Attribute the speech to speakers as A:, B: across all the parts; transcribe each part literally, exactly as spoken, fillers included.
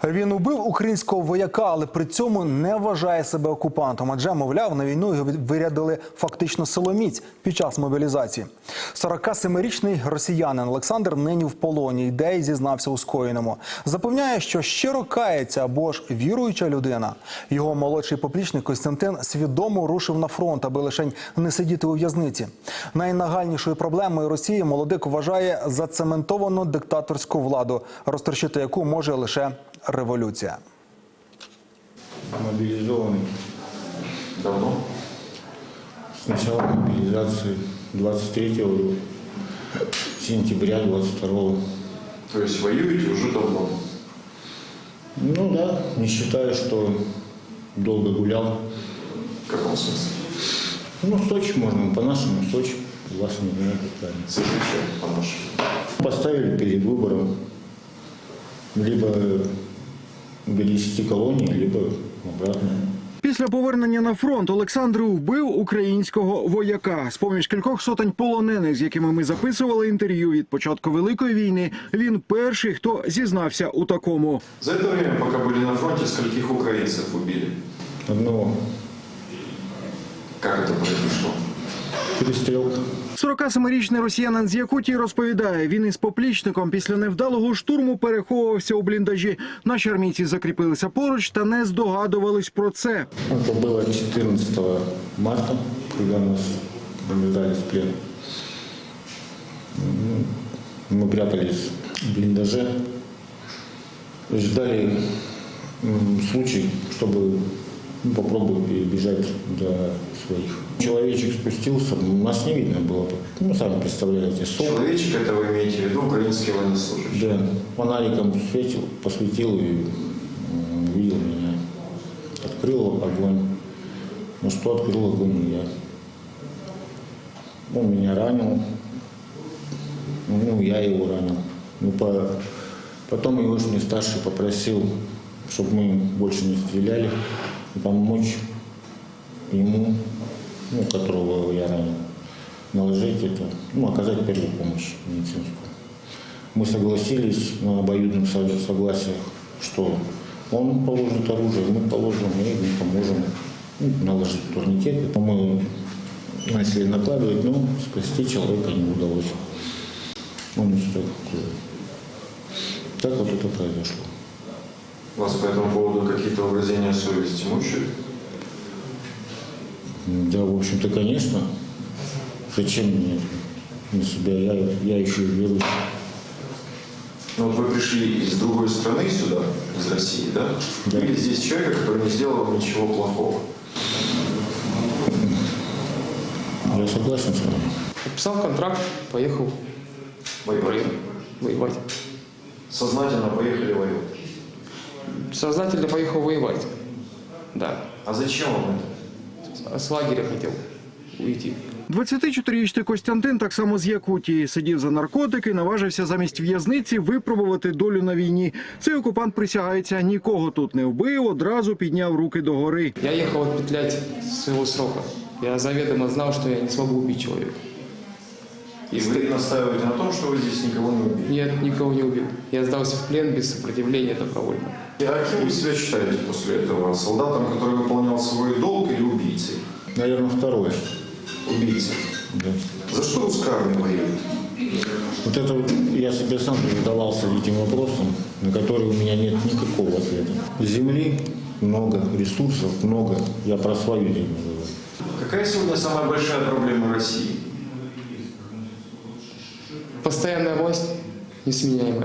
A: Він убив українського вояка, але при цьому не вважає себе окупантом. Адже, мовляв, на війну його вирядили фактично силоміць під час мобілізації. сорокасемирічний росіянин Олександр нині в полоні, де й зізнався у скоєному. Запевняє, що щиро кається або ж віруюча людина. Його молодший поплічник Костянтин свідомо рушив на фронт, аби лишень не сидіти у в'язниці. Найнагальнішою проблемою Росії молодик вважає зацементовану диктаторську владу, розтрощити яку може лише революція.
B: Мобилизованный. Давно? С начала мобилизации двадцать третьего сентября двадцать второго.
C: То есть воюете уже давно?
B: Ну да, не считаю, что долго гулял.
C: В каком смысле?
B: Ну, Сочи можно, по-нашему Сочи. У вас не знаю, как правильно.
C: Зачем по-нашему?
B: Поставили перед выбором либо перевести колонии, либо обратно.
D: Після повернення на фронт Олександр вбив українського вояка. З-поміж кількох сотень полонених, з якими ми записували інтерв'ю від початку Великої війни, він перший, хто зізнався у такому.
C: За это время, пока были на фронте, скольких украинцев убили?
B: Одного.
C: Как это произошло?
B: Перестрелка.
D: сорокасемирічний росіянин з Якутії розповідає, він із поплічником після невдалого штурму переховувався у бліндажі. Наші армійці закріпилися поруч та не здогадувались про це.
B: Это было четырнадцатого марта, когда нас повязали в плен. Мы прятались в блиндаже, ждали случай, чтобы ну, попробовать перебежать до своих. Человечек спустился, нас не видно было. Ну, сами представляете. Сол.
C: Человечек, это вы имеете в виду украинский военнослужащий?
B: Да, фонариком светил, посветил и увидел меня. Открыл огонь. Ну что открыл огонь не я. Он меня ранил. Ну, я его ранил. Ну, по... Потом его старший попросил, чтобы мы больше не стреляли, и помочь ему, ну, которого я ранил, наложить это, ну, оказать первую помощь медицинскую. Мы согласились на обоюдном согласии, что он положит оружие, мы положим, и мы поможем ну, наложить турникеты. Мы начали накладывать, но спасти человека не удалось. Он не стоит. Так вот это произошло.
C: Вас по этому поводу какие-то угрызения совести мучают?
B: Да, в общем-то, конечно. Зачем мне на себя? Я, я еще и верующий.
C: Ну вот вы пришли из другой страны сюда, из России, да?
B: Да.
C: Или здесь человека, который не сделал вам ничего плохого?
B: Я согласен с вами.
E: Подписал контракт, поехал
C: Воевать?
E: воевать.
C: Сознательно поехали воевать?
E: Сознательно поехал воевать. Да.
C: А зачем вам это?
E: С лагеря хотел уйти.
D: двадцятичотирирічний Костянтин, так само з Якутії, сидів за наркотики, наважився замість в'язниці випробувати долю на війні. Цей окупант присягається, нікого тут не вбив, одразу підняв руки догори.
E: Я ехал отпетлять своего срока. Я заведомо знал, что я не смогу убить человека.
C: И вы настаиваете на том, что вы здесь никого не убили?
E: Нет, никого не убил. Я сдался в плен без сопротивления добровольно.
C: А кем вы себя считаете после этого? Солдатом, который выполнял свой долг, или убийцей?
B: Наверное, второе.
C: Убийцей.
B: Да.
C: За что русская армия воюет?
B: Вот это вот я себе сам задавался этим вопросом, на который у меня нет никакого ответа. Земли много, ресурсов много. Я про свою землю говорю.
C: Какая сегодня самая большая проблема России?
E: Постоянная власть несменяемая.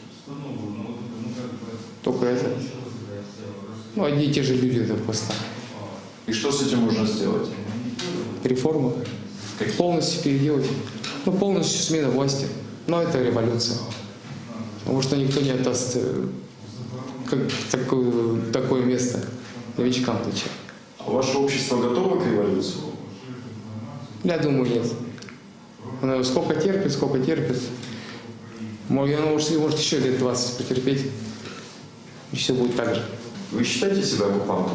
E: Только это. Ну, одни и те же люди на постах.
C: И что с этим можно сделать?
E: Реформы. Полностью переделать. Ну, полностью смена власти. Но это революция. Потому что никто не отдаст э, как, такое, такое место новичкам плеча.
C: А ваше общество готово к революции?
E: Я думаю, нет. Оно сколько терпит, сколько терпит. Может, оно может, может еще лет двадцать потерпеть. И все будет так же.
C: Вы считаете себя оккупантом?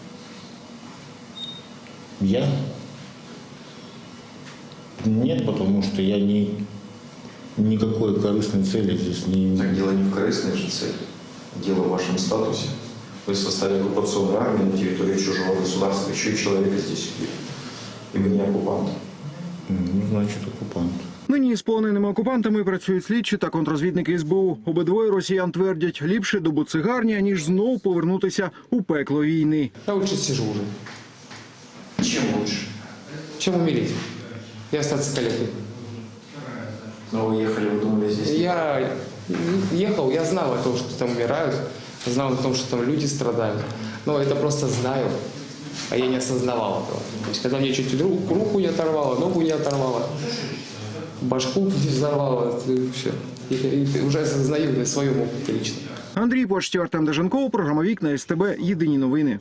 B: Я? Нет, потому что я не, никакой корыстной цели здесь не имею.
C: Так дело не в корыстной же цели. дело в вашем статусе. Вы в составе оккупационной армии на территории чужого государства, еще и человека здесь убили. И вы не оккупант.
B: Ну, значит, оккупант.
D: Нині з полоненими окупантами працюють слідчі та контрозвідники ес бе у. Обидвоє росіян твердять, ліпше до буцегарні, ніж знов повернутися у пекло війни.
E: Я лучше сижу уже,
C: Чем лучше?
E: чем умереть и остаться калекой.
C: Но вы ехали, вы думали здесь?
E: Я ехал, я знал о том, что там умирают, знал о том, что там люди страдают. Но это просто знаю, а я не осознавал этого. То есть, когда мне чуть руку, руку не оторвало, ногу не оторвало, башку не взорвало, все. И, и уже осознаю на своем опыте лично.
D: Андрій Почтєв, Артем Деженков, програма «Вікна», ес те бе, єдині новини.